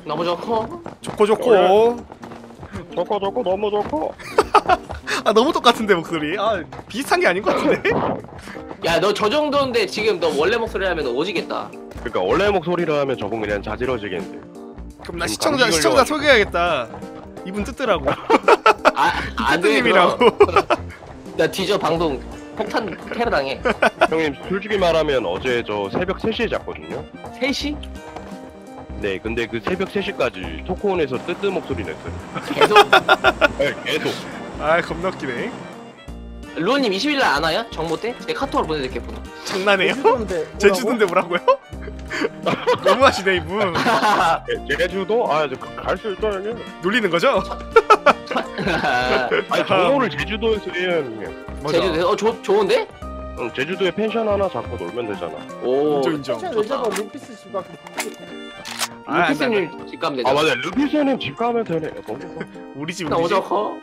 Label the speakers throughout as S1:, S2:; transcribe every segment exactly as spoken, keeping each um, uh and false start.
S1: 너무 좋고.
S2: 좋고 좋고.
S3: 좋고 좋고 너무 좋고.
S2: 아 너무 똑같은데 목소리. 아 비슷한 게 아닌 것 같은데.
S1: 야 너 저 정도인데 지금 너 원래 목소리 하면 오지겠다.
S3: 그러니까 원래 목소리로 하면 저분 그냥 자지러지겠는데.
S2: 그럼 나
S3: 지금
S2: 시청자
S3: 감기
S2: 시청자
S3: 걸려가지고.
S2: 소개해야겠다. 이분 뜨뜨라고.
S1: 아안
S2: 뜨뜨님이라고.
S1: 나 뒤져 방송 폭탄 테러 당해.
S3: 형님 솔직히 말하면 어제 저 새벽 세 시에 잤거든요.
S1: 세 시?
S3: 네, 근데 그 새벽 세 시까지 토크온에서 뜨뜨 목소리 냈어요.
S1: 계속.
S3: 네, 계속.
S2: 아 겁나 웃기네.
S1: 루어님 이십 일 날 안 와요? 정모 때? 제 카톡으로 보내드릴게요. 번호.
S2: 장난해요?
S4: 제주도인데
S2: 제주도인데 뭐라고요? 너무하시네 이분.
S3: 제- 제주도? 아, 갈 수 있죠, 형님.
S2: 놀리는 거죠?
S3: 아니, 정모를 제주도에서 해요, 형님.
S2: 맞아.
S1: 제주도 어 좋 좋은데?
S3: 응, 제주도에 펜션 하나 잡고 놀면 되잖아.
S1: 오.
S2: 인정 인정.
S4: 펜션 왜 잡아? 루피스 집 앞에.
S2: 아,
S1: 루피스님 집 가면 되죠.
S3: 아, 맞아. 루피스님 집 가면 되네. 너무 좋아.
S2: 우리 집
S1: 너무
S2: 우리 집.
S1: 좋고.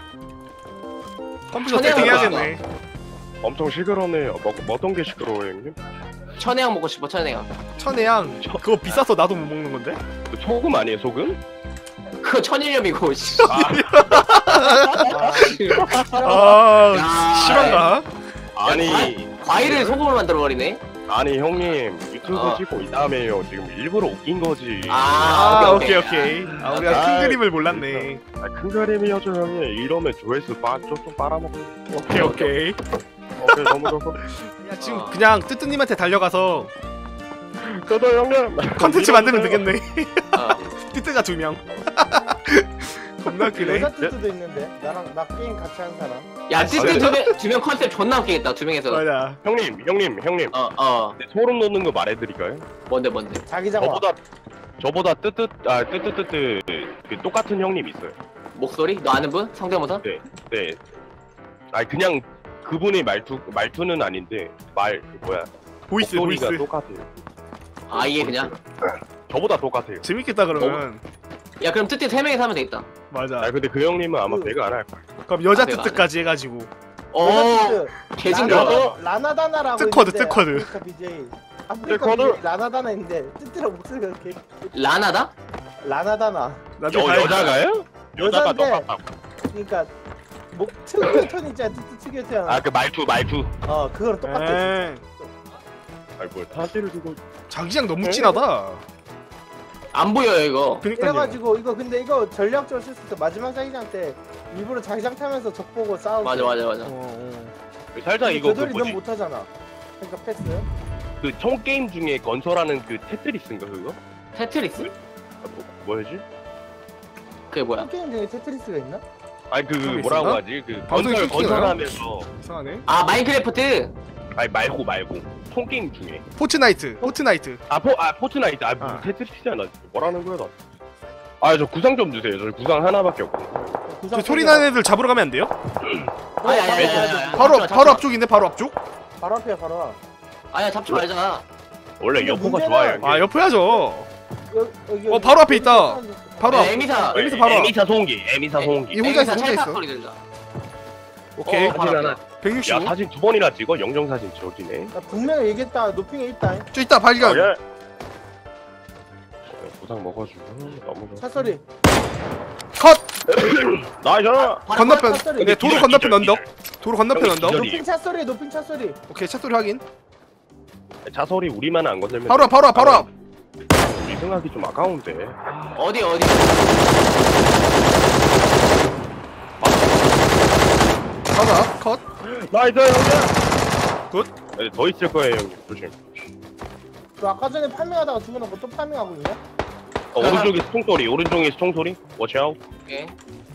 S2: 컴퓨터
S1: 천혜향
S2: 세팅해야겠네.
S3: 엄청 시끄럽네요. 뭐, 뭐 어떤 게 시끄러워요, 형님?
S1: 천혜향 먹고 싶어 천혜향.
S2: 천혜향 그거 비싸서 나도 못 먹는 건데?
S3: 그 소금 아니에요, 소금?
S1: 그거 천일염이고. 씨.
S2: 아
S1: 야,
S2: 실화인가?
S3: 아니,
S1: 과일을 소금으로 만들어 버리네.
S3: 아니, 형님. 유튜브
S1: 어.
S3: 찍고 이 다음에요. 지금 일부러 웃긴 거지.
S1: 아,
S2: 아
S1: 오케이,
S2: 오케이 오케이. 아 우리가 큰
S3: 아,
S2: 그림을 몰랐네.
S3: 아, 큰 그림이어죠, 형님. 이러면 조회수 빠, 쪽쪽 빨아먹고.
S2: 오케이 오케이.
S3: 오케이, 너무 좋고.
S2: 야 지금
S1: 어.
S2: 그냥 뜨뜨님한테 달려가서
S3: 저도 형님.
S2: 컨텐츠 만들면 되겠네.
S1: 어.
S2: 뜨뜨가 두 명. 겁나 웃기네.
S4: 여자 뜻도 있는데 나랑 나 게임 같이 한 사람.
S1: 야, 찌찌 두명 두명 컨셉 존나 웃기겠다. 두 명에서.
S2: 맞아.
S3: 형님, 형님, 형님.
S1: 어, 어.
S3: 네, 소름 돋는 거 말해드릴까요?
S1: 뭔데, 뭔데?
S4: 자기 장화.
S3: 저보다 저보다 뜨뜻 아 뜨뜻뜨뜻 그 똑같은 형님 있어요.
S1: 목소리? 너 아는 분? 성대모사?
S3: 네, 네. 아니 그냥 그분의 말투 말투는 아닌데 말 그 뭐야
S2: 보이스
S3: 목소리가
S2: 보이스.
S3: 똑같아요.
S1: 아, 이게 그냥?
S3: 저보다 똑같아요.
S2: 재밌겠다 그러면.
S1: 야, 그럼 뜨띠 세 명이서 하면 되겠다.
S2: 맞아.
S3: 아 근데 그 형님은 아마
S4: 그-
S3: 배가 안 할 거야.
S2: 그럼 여자
S1: 아, 내가
S2: 뜨뜨까지 해가지고.
S1: 어,
S4: 여자 뜻.
S1: 개징그러워.
S4: 라나- 라나다나라고.
S2: 뜨커드,
S4: 있는데
S2: 뜨커드.
S4: 아프리카 비제이. 아프리카
S3: 뜨커드?
S4: 비제이 라나다나 있는데 뜻이랑 목소리가 이렇게.
S1: 라나다?
S4: 라나다나.
S2: 나중에
S3: 여,
S2: 가야-
S3: 여자가요? 여자가
S4: 여잔데.
S3: 똑같다고.
S4: 그러니까 목 특유의 톤 있잖아. 뜻 특유의 톤.
S3: 아 그 말투 말투.
S4: 어 그거랑 똑같아.
S2: 에이,
S3: 아니 뭘 타지를 두고.
S2: 자기장 너무 진하다.
S1: 안 보여요, 이거.
S2: 그니까요.
S4: 이래가지고 이거 근데 이거 전략적으로 쓸 수 있어. 마지막 자기장 때 일부러 자기장 타면서 적 보고 싸우고.
S1: 맞아, 맞아, 맞아.
S4: 어, 어.
S3: 살짝 이거 그
S4: 되돌이 넌
S3: 뭐지?
S4: 못하잖아. 그러니까 패스.
S3: 그 총 게임 중에 건설하는 그 테트리스인가 그거?
S1: 테트리스?
S3: 아, 뭐, 뭐였지?
S1: 그게 뭐야?
S4: 게임 중에 테트리스가 있나?
S3: 아니 그
S2: 그거
S3: 뭐라고
S2: 있었나?
S3: 하지? 그
S2: 방송에
S3: 건설
S2: 끊기나요?
S3: 건설하면서
S2: 이상하네.
S1: 아, 마인크래프트?
S3: 아니 말고 말고 총 게임 중에
S2: 포트나이트. 포트나이트.
S3: 아, 포, 아 포트나이트 아 무슨
S2: 아.
S3: 테트리스야. 뭐라는 거야 나. 아 저 구상 좀 주세요. 저 구상 하나밖에 없고.
S4: 구상
S2: 저 소리 나는 애들 잡으러 가면 안 돼요?
S1: 아니, 아니, 아니, 아니, 아니.
S2: 바로
S1: 잡지 마,
S2: 바로
S1: 잡지
S2: 앞쪽인데 바로 앞쪽?
S4: 바로 앞이야 바로 앞.
S1: 마. 아니야, 잡지 말잖아.
S3: 원래
S4: 근데
S3: 여포가
S4: 문제는-
S3: 좋아요.
S2: 아 옆에야죠.
S4: 여기, 여기,
S2: 어, 바로 앞에 있다. 바로 앞.
S1: 네, 에미사.
S2: 여기서 바로
S3: 에미사 소음기. 에미사
S1: 네.
S3: 소음기.
S2: 이 혼자 있어,
S1: 에미사
S2: 혼자
S1: 찰칵
S2: 있어.
S1: 소리 들린다.
S2: 오케이.
S1: 어, 바로
S3: 사진
S1: 앞이야.
S3: 하나.
S2: 백육십오.
S3: 야 사진 두 번이나 찍어? 영정 사진 저기네.
S4: 나 분명히 얘기했다. 노핑에 있다.
S2: 저 있다 발견.
S3: 아, 예. 구상 먹어주고 너무 좋아.
S4: 차 소리.
S2: 컷.
S3: 나이스.
S2: 건너편.
S4: 차 소리.
S2: 네 도로
S3: 기절,
S2: 건너편
S3: 기절,
S2: 언덕.
S3: 기절.
S2: 도로 건너편
S3: 형이
S2: 언덕.
S3: 기절이.
S4: 노핑 차 소리. 노핑 차 소리.
S2: 오케이 차 소리 확인.
S3: 자소리 우리만 안 건들면.
S2: 바로 앞 바로 앞 바로 앞.
S3: 우리 생각이 좀 아까운데.
S1: 어디, 어디?
S2: 바로 앞 컷.
S3: 나이스 형님.
S2: 굿.
S3: 네, 더 있을 거예요 형님. 조심.
S4: 그 아까 전에 파밍하다가 죽어놓고 또 파밍하고 있냐?
S3: 어, 오른쪽에 총소리. 오른쪽에 총소리. 워치 아웃.
S1: 오케이.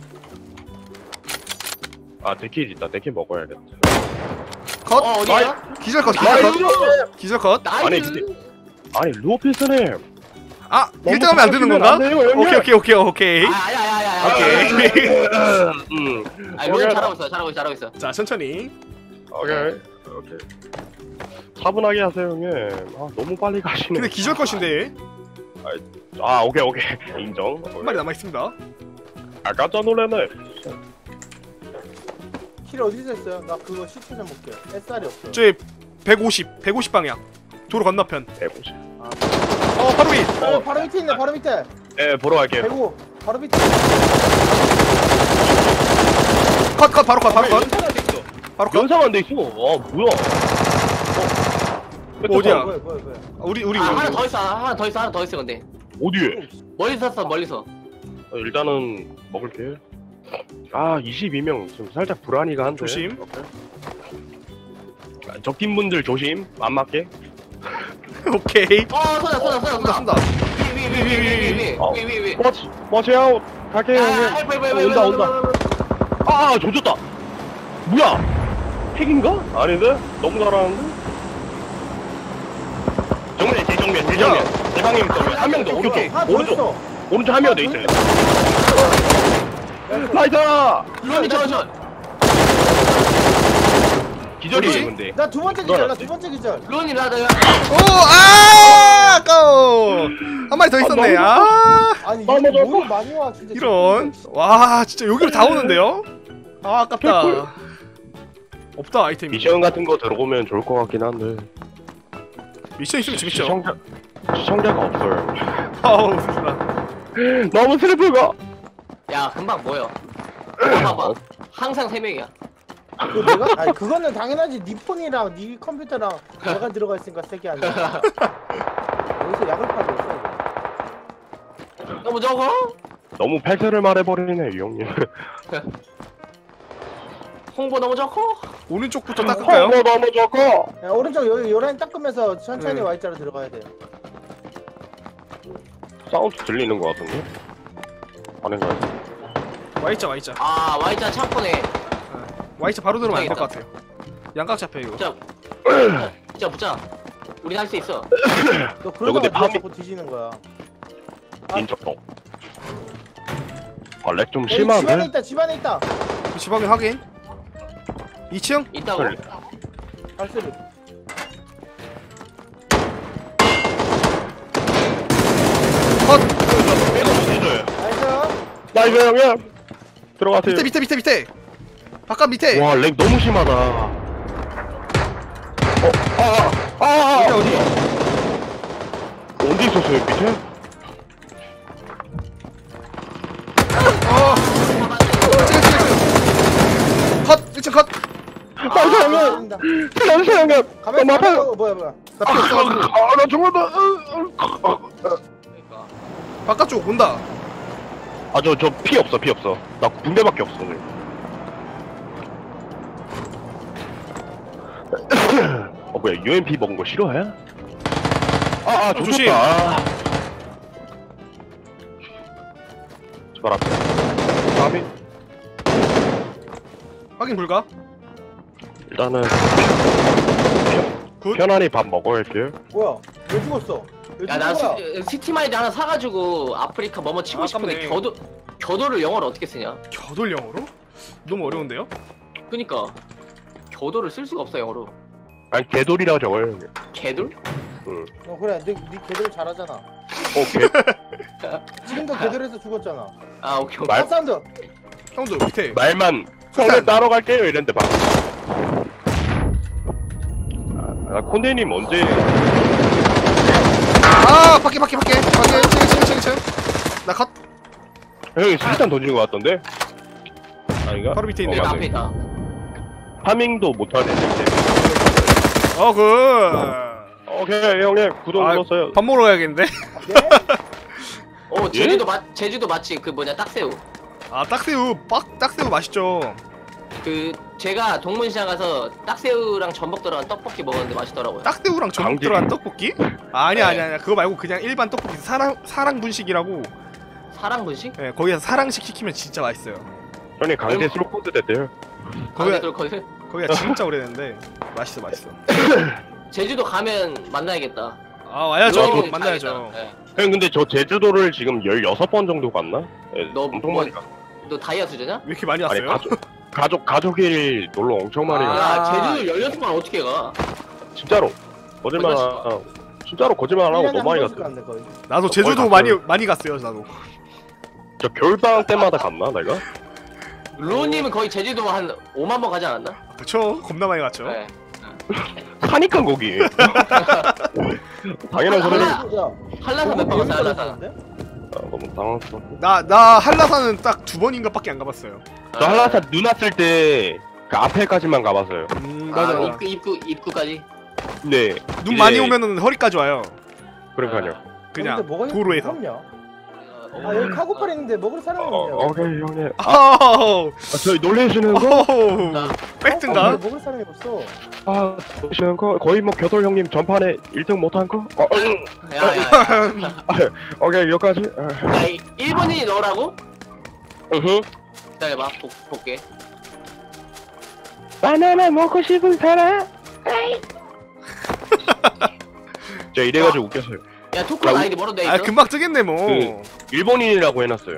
S3: 아 데킬 있다. 데킬 먹어야겠다.
S2: 컷.
S1: 어, 어디야?
S2: 기절 컷. 기절
S1: 나이스!
S2: 컷. 기절 컷.
S3: 아니,
S1: 나이스!
S3: 근데- 아니 루피스님.
S2: 아 일 등 하면 안 되는 건가? 오케이 오케이 오케이 오케이.
S1: 아, 아야, 아야, 아야, 아야.
S2: 오케이.
S3: 음.
S1: 아, 로이 잘하고 있어, 잘하고 있어, 잘하고 있어.
S2: 자 천천히.
S3: 오케이. 오케이. 차분하게 하세요 형님. 아 너무 빨리 가시네.
S2: 근데 기절 컷인데
S3: 아 오케이 오케이 인정.
S2: 한 마리 남아 있습니다.
S3: 아 깜짝 놀랐네.
S4: 킬 어디서 했어요? 나 그거 시체 좀 볼게. 햇살이 없어.
S2: 저기 백오십 백오십 방향. 도로 건너편.
S3: 해보시.
S2: 어 바로 위.
S4: 어, 바로 밑에 있네. 바로 밑에.
S3: 예 보러 갈게요.
S4: 대구 바로 밑에.
S2: 컷 컷 바로 컷 바로 컷
S3: 연사가 돼 있어.
S2: 바로 컷.
S3: 연사가 안 돼 있어. 와 뭐야? 어.
S2: 어디야?
S4: 뭐야 뭐야 뭐야.
S2: 우리 우리
S1: 아 하나
S2: 우리.
S1: 더 있어 하나 더 있어 하나 더 있어 근데
S3: 어디에?
S1: 멀리서 쐈어 멀리서.
S3: 어, 일단은 먹을게. 아 이십이 명 좀 살짝 불안이가 한데.
S2: 조심.
S3: 오케이. 아, 적팀 분들 조심. 안 맞게.
S2: 오케이.
S1: 어 쏘다 쏘다 쏘다
S2: 쏜다
S1: 쏘다.
S2: 쏜다.
S3: 어.
S1: 위위위위위위위위위.
S3: 워치 워치아웃. 갈게요 형님.
S1: 아 빨리 빨리 빨리
S3: 온다 온다. 아, 아 조졌다. 뭐야? 핵인가? 아닌데? 너무 잘하는데? 정면, 대정면, 대정면. 대방님 정면. 한 명 더, 오른쪽.
S4: 하나 더
S3: 오른쪽.
S4: 있어.
S3: 오른쪽 한 명 더 있어요. 나이스!
S1: 론이 저저
S3: 기절이에요,
S2: 뭐지?
S3: 근데.
S4: 나 두 번째 기절. 나 두 번째 기절.
S1: 론이 나다.
S2: 오, 아, 아까워. 한 마리 더 있었네. 아,
S4: 아니
S3: 너무
S4: 이거
S3: 좋아.
S4: 뭐 많이 와 진짜.
S2: 이런. 와, 진짜 여기로 다 오는데요? 아, 아깝다. 없다 아이템이.
S3: 미션 같은 거 들어오면 좋을 것 같긴 한데.
S2: 미션 있으면 재밌죠.
S3: 시청자, 시청자가 없어요.
S2: 아우, 슬프다.
S3: 너무 슬프고.
S1: 야 금방 모여. 봐봐. 항상 세 명이야.
S4: 그 내가? 아니 그거는 당연하지. 네 폰이랑 네 컴퓨터랑 내가 들어가 있으니까 세게 아니야. 여기서 약을 팔고 있어.
S1: 너무 적어?
S3: 너무 팩트를 말해버리네, 이 형님.
S1: 홍보 너무 적어?
S2: 오른쪽부터 닦을까요?
S3: 어, 너무 좋고.
S4: 야, 오른쪽 여기 요라인 닦으면서 천천히
S2: 네.
S4: Y자로 들어가야 돼.
S3: 사운드 들리는 것 같은데? 아닌가요?
S2: Y자 Y자.
S1: 아 Y자 창고네.
S2: Y자 바로 들어오면 안 될 것 같아요. 양각 잡혀 이거.
S1: 붙자. 붙자 붙자. 우리 할 수 있어.
S4: 너
S3: 근데
S4: 그러다가 네가
S3: 밤이-
S4: 자꾸 뒤지는 거야. 아.
S3: 인적도. 아, 렉 좀
S4: 여기 집안에
S3: 심한데?
S4: 있다. 집안에 있다.
S2: 그 지방에 확인. 이 층?
S1: 있다고.
S4: 발소리.
S2: 컷.
S3: 이거 못 해줘요.
S4: 나이스.
S3: 나이스 형님! 들어가세요.
S2: 밑에 밑에 밑에 밑에. 바깥 밑에.
S3: 와, 렉 너무 심하다. 어, 아, 아, 아,
S2: 어디
S3: 아.
S2: 어디?
S3: 어디 있었어요, 밑에?
S2: 어. 층, 층, 층. 컷. 일 층 컷.
S3: 나이스 형님!
S4: 아,
S3: 나이스 형님!
S4: 가만히
S3: 너무 아파요.
S4: 있어. 뭐야 뭐야.
S2: 나
S3: 아,
S2: 피 없어.
S3: 아, 나 죽었다.
S1: 그러니까.
S2: 바깥쪽 온다.
S3: 아, 저, 저 피 없어, 피 없어. 나 군대밖에 없어, 오늘. 어, 뭐야, 유엠피 먹은 거 싫어해? 아, 아,
S2: 어, 조심.
S3: 조심. 아. 저발 앞에. 다음이
S2: 확인 불가.
S3: 일단은
S2: 굿.
S3: 편안히 밥 먹어야지.
S4: 뭐야? 왜 죽었어? 왜
S1: 야나
S4: 죽은 거야?
S1: 시티마이드 하나 사가지고 아프리카 뭐뭐 치고
S2: 아,
S1: 싶은데
S2: 아깝네.
S1: 겨도 겨도를 영어로 어떻게 쓰냐?
S2: 겨돌 영어로? 너무 어려운데요?
S1: 그니까 겨도를 쓸 수가 없어 영어로.
S3: 아니 개돌이라고 적어요.
S1: 개돌?
S4: 어 그래. 네, 네 개들 잘하잖아.
S3: 어, 개.
S4: 지금도 개들에서 죽었잖아.
S1: 아 오케이 오케이.
S3: 말-
S4: 말 사운드.
S2: 형도 밑에.
S3: 말만 형님 따로 갈게요 이랬는데 막. 아, 아, 콘데님 언제?
S2: 아, 밖에 밖에 밖에. 밖에 일 층 일 층 일 층 일 층. 나 컷.
S3: 형이 수류탄 던지는 것 같던데? 아닌가?
S2: 바로 밑에 있네.
S1: 내가
S3: 맞네.
S1: 앞에 있다.
S3: 파밍도 못하네. 이제.
S2: 어, 굿.
S3: 오케이 형님 구독
S2: 아,
S3: 눌렀어요.
S2: 밥 먹으러 가야겠는데?
S4: 네?
S1: 어 제주도 맛 제주도 맛집 그 뭐냐 딱새우.
S2: 아, 딱새우. 빡 딱새우 맛있죠.
S1: 그 제가 동문시장 가서 딱새우랑 전복 들어간 떡볶이 먹었는데 맛있더라고요.
S2: 딱새우랑 전복
S3: 강제.
S2: 들어간 떡볶이? 아, 아니야
S1: 네.
S2: 아니야 아니야. 그거 말고 그냥 일반 떡볶이 사랑 사랑 분식이라고.
S1: 사랑 분식?
S2: 예, 거기서 사랑식 시키면 진짜 맛있어요.
S3: 형님 강제
S1: 얼마-
S3: 슬로코드 됐대요.
S2: 거기가
S1: 거기 거기
S2: 거기가 진짜 오래됐는데 맛있어 맛있어.
S1: 제주도 가면 만나야겠다.
S2: 아, 와야죠.
S1: 여행을
S2: 만나야죠.
S1: 가야겠다. 예.
S3: 형 근데 저 제주도를 지금 열여섯 번 정도 갔나? 예,
S1: 너
S3: 엄청
S1: 뭐-
S3: 많이 갔어.
S1: 너 다이아 수저냐?
S2: 왜 이렇게 많이
S3: 아니
S2: 왔어요?
S3: 가족 가족 가족일 놀러 엄청 많이
S2: 아.
S3: 갔어.
S1: 야 제주도 열여섯 번 어떻게 가?
S3: 진짜로 거짓말 안 하고 진짜로 거짓말 안 하고
S4: 일 년에
S3: 너무 많이
S4: 한 번씩
S3: 갔어.
S4: 간대, 거의.
S2: 나도 제주도
S3: 거의
S2: 많이
S3: 갔어요.
S2: 많이 갔어요. 나도.
S3: 저 겨울방학 때마다 갔나 내가?
S1: 루오님은 거의 제주도 한 오만 번 가지 않았나?
S2: 그쵸? 겁나 많이 갔죠.
S1: 네.
S3: 사니까 거기. 당연한
S1: 하나-
S3: 소리를.
S1: 하나-
S4: 야,
S1: 한라산 몇 번 갔어 한라산.
S4: 갔는데?
S3: 아, 너무 당황스럽고.
S2: 나 나 한라산은 딱 두 번인가밖에 안 가봤어요.
S3: 저 한라산 눈 왔을 때 그 앞에까지만 가봤어요.
S2: 음
S1: 아,
S2: 맞아.
S1: 입구 입구 입구까지.
S3: 네.
S2: 눈
S3: 이제-
S2: 많이 오면은 허리까지 와요.
S3: 그러니까요.
S2: 그냥
S4: 근데 뭐가
S2: 도로에서.
S4: 없냐?
S1: 어,
S4: 아 여기 카고팔 있는데 먹을 사람이
S3: 어,
S4: 없냐?
S3: 오케이 형님. 아,
S2: 아우.
S3: 아, 저희 놀래시는 거?
S2: 어우.
S1: 나-
S2: 팩트인가?
S4: 먹을 사람이 없어.
S3: 아, 놀래시는 거? 거의 뭐 겨돌 형님 전판에 일 등 못한 거? 어,
S1: 야야야.
S3: 오케이 여기까지. 아,
S1: 야, 이 일본인이 너라고?
S3: 으흠.
S1: 기다려봐. 복, 볼게.
S3: 바나나 먹고 싶은 사람? 저 이래가지고 웃겼어요.
S1: 야, 토크는 아이디 뭐로 돼 있어?
S2: 아 금방 뜨겠네 뭐.
S3: 그- 일본인이라고 해놨어요.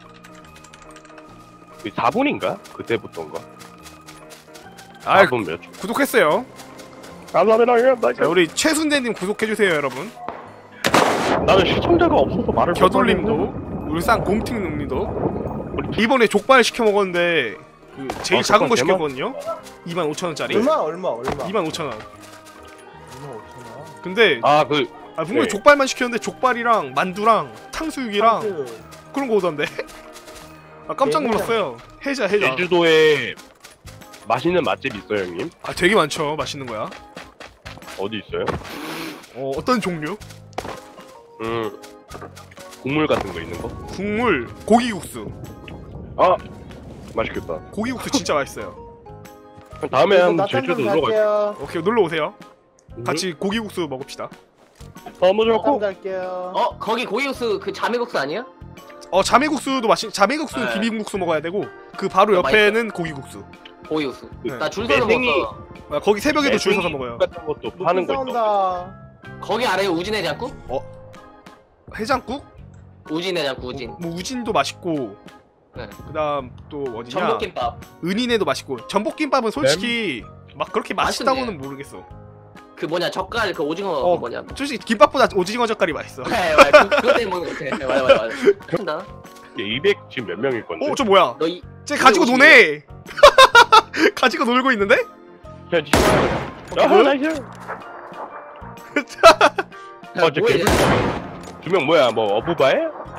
S3: 사 분인가? 그때부터인가?
S2: 아
S3: 사 분 몇 초?
S2: 구독했어요.
S3: 감사합니다.
S2: 자 우리 최순대님 구독해주세요 여러분.
S3: 나는 시청자가 없어서 말을
S2: 겨돌님도 울산 공팅님도 이번에 족발 시켜 먹었는데 그 제일
S3: 아,
S2: 작은 거
S3: 족발
S2: 시켰거든요. 이만 오천 원짜리.
S4: 얼마 얼마 얼마?
S2: 이만 오천 원.
S4: 이만 오천 원.
S2: 근데
S3: 아, 그
S2: 아 분명히
S3: 네.
S2: 족발만 시켰는데 족발이랑 만두랑 탕수육이랑
S4: 탕수육.
S2: 그런 거 오던데. 아 깜짝
S4: 네,
S2: 놀랐어요. 해자 해자.
S3: 제주도에 맛있는 맛집 있어요, 형님?
S2: 아 되게 많죠. 맛있는 거야.
S3: 어디 있어요?
S2: 어 어떤 종류?
S3: 음, 국물 같은 거 있는 거?
S2: 국물 고기국수.
S3: 아, 맛있겠다.
S2: 고기국수 진짜 맛있어요.
S3: 그럼 다음에
S4: 그래서
S3: 한번
S4: 낮잠
S3: 제주도
S4: 좀
S3: 놀러 갈게요.
S4: 갈게요.
S2: 오케이 놀러 오세요.
S3: 음,
S2: 같이 고기국수 먹읍시다.
S3: 너무
S4: 낮잠
S3: 좋고.
S4: 갈게요.
S1: 어, 거기 고기국수 그 자매국수 아니야?
S2: 어 자매국수도 맛있. 자매국수
S1: 네.
S2: 비빔국수 먹어야 되고 그 바로
S1: 어,
S2: 옆에는 고기국수.
S1: 고기국수.
S2: 네.
S1: 나 줄 서서
S3: 매생이-
S1: 먹었어.
S2: 아, 거기 새벽에도 줄 서서
S3: 매생이
S2: 먹어요.
S3: 같은 것도
S4: 높이
S3: 파는 거 있어.
S4: 싸운다.
S1: 거기 아래에 우진해장국?
S2: 해장국?
S1: 우진해장국 우진.
S2: 뭐 우진도 맛있고.
S1: 네.
S2: 그다음 또 어디냐?
S1: 전복김밥.
S2: 은인에도 맛있고. 전복김밥은 솔직히 막 그렇게 맛있다고는
S1: 맛있네.
S2: 모르겠어.
S1: 그 뭐냐 젓갈 그 오징어
S2: 어.
S1: 그 뭐냐.
S2: 솔직히 김밥보다 오징어 젓갈이 맛있어.
S1: 네, 맞아. 그, 그것 때문에 먹는 거 같아. 맞아 맞아 맞아. 한다.
S3: 이백 지금 몇 명일 건데?
S2: 어 저 뭐야?
S1: 너 이.
S2: 쟤 가지고 노네. 가지고 놀고 있는데?
S3: 야, 니. 아,
S2: 뭐야?
S3: 나이스. 어, 저
S1: 뭐야,
S3: 개불. 두명 뭐야? 뭐 어부바에?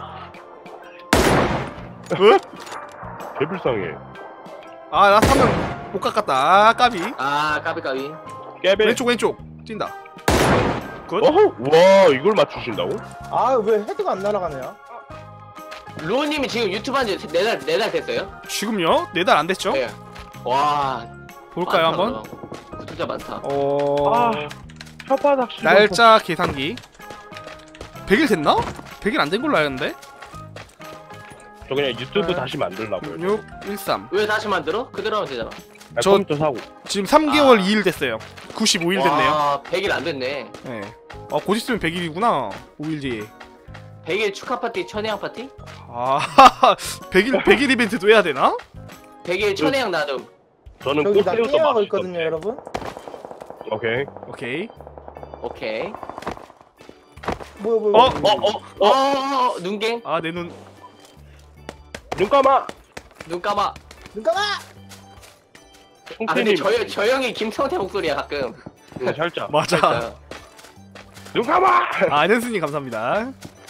S2: 어?
S3: 개불쌍해.
S2: 아나 사면 못 깎았다. 아 까비.
S1: 아 까비 까비.
S3: 깨베.
S2: 왼쪽 왼쪽 뛴다. 굿.
S3: 어허, 와, 이걸 맞추신다고?
S4: 아 왜 헤드가 안 날아가냐?
S1: 루오님이 지금 유튜브 한지 네달 네 달 됐어요?
S2: 지금요? 네 달 안 됐죠?
S1: 네. 와.
S2: 볼까요
S1: 많다,
S2: 한번?
S1: 그럼. 구독자 많다.
S2: 어
S3: 아, 혓바닥 씹어서.
S2: 날짜 계산기. 백 일 됐나? 백 일 안 된 걸로 알았는데.
S3: 저 그냥 유튜브
S2: 네.
S3: 다시 만들라고요.
S2: 육 일삼.
S1: 왜 다시 만들어? 그대로 하면 되잖아.
S3: 아,
S2: 저-
S3: 컴퓨터 사고.
S2: 지금 삼 개월
S1: 아.
S2: 이 일 됐어요. 구십오 일 됐네요.
S1: 와, 백 일 안 됐네.
S2: 네. 아, 곧 있으면 백 일이구나. 오 일 뒤에.
S1: 백 일 축하 파티, 천혜향 파티?
S2: 아, 백 일, 백 일 이벤트도 해야 되나?
S1: 백 일 천혜향 나눔.
S3: 저는
S4: 저기 나
S3: 꽃새우도
S4: 게임하고
S3: 맛있던데.
S4: 있거든요 여러분.
S3: 오케이.
S2: 오케이.
S1: 오케이.
S4: 뭐야 뭐야.
S2: 어?
S4: 뭐야.
S1: 어, 어, 어, 어, 눈갱?
S2: 아, 내 눈.
S3: 눈 감아.
S1: 눈 감아.
S4: 눈 감아.
S1: 아, 근데
S3: 홍태님.
S1: 저, 저 형이 김성태 목소리야, 가끔.
S3: 응, 살짝.
S2: 맞아.
S1: 그러니까.
S3: 눈 감아.
S2: 아, 안현수님 감사합니다.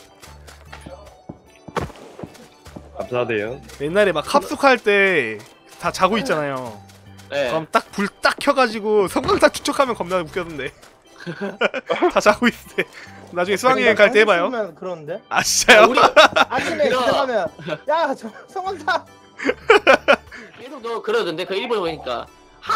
S3: 감사해요.
S2: 옛날에 막 합숙할 때 다 자고 있잖아요.
S1: 네.
S2: 그럼 딱 불 딱 켜가지고 성광탄 추적하면 겁나 웃겼는데. 다 자고 있을 때. 나중에 수학여행 갈 때 해봐요.
S4: 면 그러는데.
S2: 아, 진짜요?
S1: 우리
S4: 아침에
S1: 이거.
S4: 들어가면 야저 성원사.
S1: 계속 너 그러던데, 그 일본에 보니까.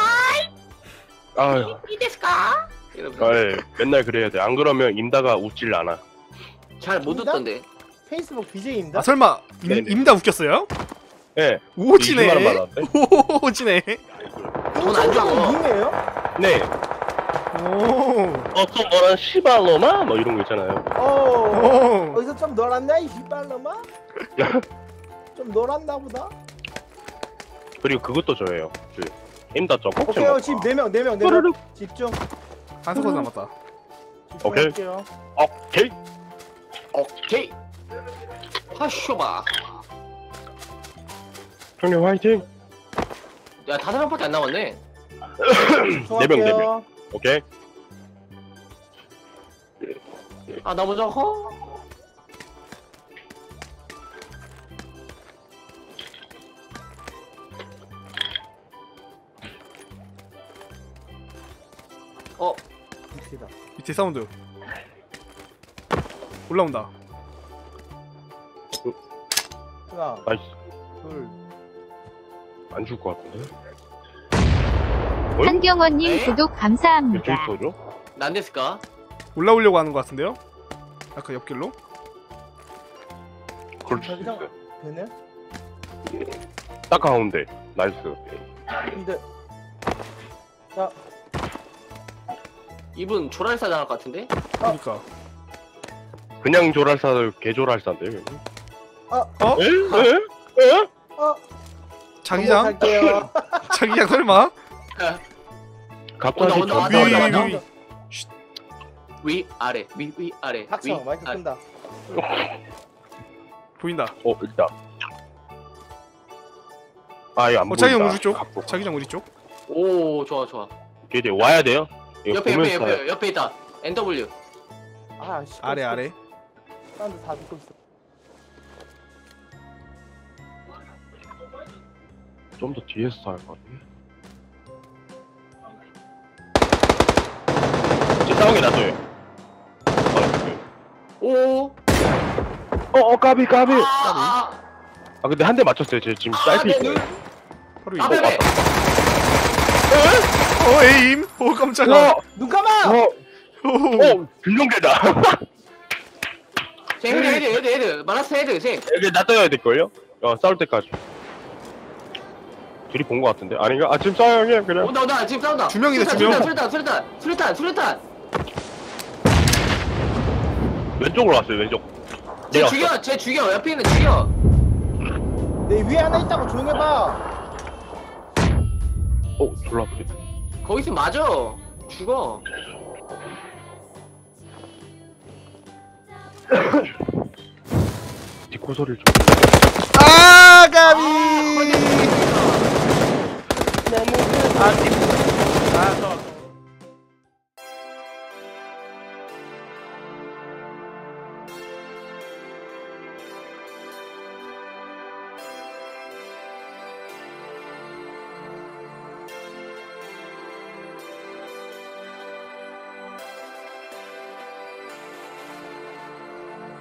S3: 아유.
S1: 이데스까? 이러면서.
S3: 아이, 맨날 그래야 돼. 안 그러면 임다가 웃질 않아.
S1: 잘 못
S4: 인다?
S1: 웃던데.
S4: 페이스북 비제이인가?
S2: 아, 설마 임,
S3: 네네.
S2: 임다 웃겼어요?
S3: 예. 네.
S2: 오지네.
S3: 이십만 원 받았대.
S2: 오지네.
S1: 돈안 주고.
S4: 밈이에요?
S3: 네.
S2: 오.
S3: 어떤 거랑 시발로마? 뭐 이런 거 있잖아요.
S4: 어.
S2: 오.
S4: 어디서 좀 놀았나 이 휘발놈아? 좀 놀았나 보다.
S3: 그리고 그것도 저예요. 그 임다 점 꼭
S4: 오케이
S3: 좀.
S4: 지금 네 명 네 명 네 명
S3: 뽀르륵.
S4: 집중.
S2: 한 스쿼드 남았다.
S3: 오케이.
S4: 집중할게요.
S3: 오케이.
S1: 오케이. 하쇼바.
S3: 형님 화이팅.
S1: 야, 다섯 명밖에 안 남았네.
S3: 네 명, 네 명. 오케이.
S1: 아, 너무 좋고. 어
S4: 밑이다.
S2: 밑에 사운드. 올라온다.
S4: 하나,
S3: 나이스.
S4: 둘.
S3: 안 죽을 것 같은데.
S5: 한경원님
S1: 에?
S5: 구독
S3: 왜
S5: 감사합니다.
S3: 저기 쏘죠?
S1: 난데스까?
S2: 올라오려고 하는 것 같은데요? 아까 옆길로?
S3: 그럴 수
S4: 자기장
S3: 있어요.
S4: 되네?
S3: 딱 가운데. 나이스.
S4: 근데 자,
S1: 이분 조랄사 당할 것 같은데?
S2: 그러니까.
S3: 그냥 조랄사들 개조랄사인데.
S2: 어?
S3: 에? 에? 에?
S4: 어,
S2: 자기장?
S4: 갈게요.
S2: 자기장 설마?
S3: 갑자기
S1: 온다, 온다,
S3: 저-
S1: 왔다,
S2: 위,
S1: 왔다,
S2: 위,
S1: 왔다.
S2: 위.
S1: 위 아래 위 위 아래
S4: 닥쳐,
S1: 위
S4: 마이크
S1: 아래.
S4: 끈다.
S2: 보인다.
S3: 어, 일단. 아, 이거 안
S2: 어,
S3: 보인다.
S2: 자기장 우리 쪽.
S3: 갖고.
S2: 자기장 우리 쪽.
S1: 오 좋아 좋아.
S3: 이게 이제 와야 돼요? 이거
S1: 옆에 옆에
S3: 보면서
S1: 옆에 옆에 있다. 엔더블유.
S4: 아, 씨.
S2: 아래 아래.
S4: 사람들 다 듣고 있어.
S3: 좀 더 뒤에서 살 것 같네. 이제 싸운 게 낫어요.
S1: 오.
S3: 어, 어, 까비, 까비.
S1: 아,
S3: 아, 근데 한 대 맞췄어요. 제 지금
S1: 아,
S3: 딸피
S1: 내
S3: 있어요.
S1: 눈.
S2: 바로 이.
S1: 아, 베베.
S2: 어 에임. 오 깜짝아.
S3: 어,
S4: 눈 감아!
S3: 어,
S2: 오.
S3: 어, 빌룡개다.
S1: 제 헤드 헤드 헤드 헤드. 마라스 헤드 세.
S3: 여기 놔둬야 될걸요? 어, 싸울 때까지. 둘이 본 것 같은데? 아닌가? 아, 지금 싸워요, 형님, 그냥.
S1: 온다 온다 지금 싸운다.
S2: 두 명이네, 두 명.
S1: 수류탄 수류탄 수류탄 수류탄.
S3: 왼쪽으로 왔어요, 왼쪽.
S1: 쟤
S3: 내려왔어.
S1: 죽여 쟤 죽여 옆에 있는 죽여.
S4: 내 위에 하나 있다고 조용해봐.
S3: 어, 졸라 아프네.
S1: 거기 있으면 맞아. 죽어.
S3: 디코 소리를 좀.
S2: 아 가비.
S3: 너무.
S4: 아, 저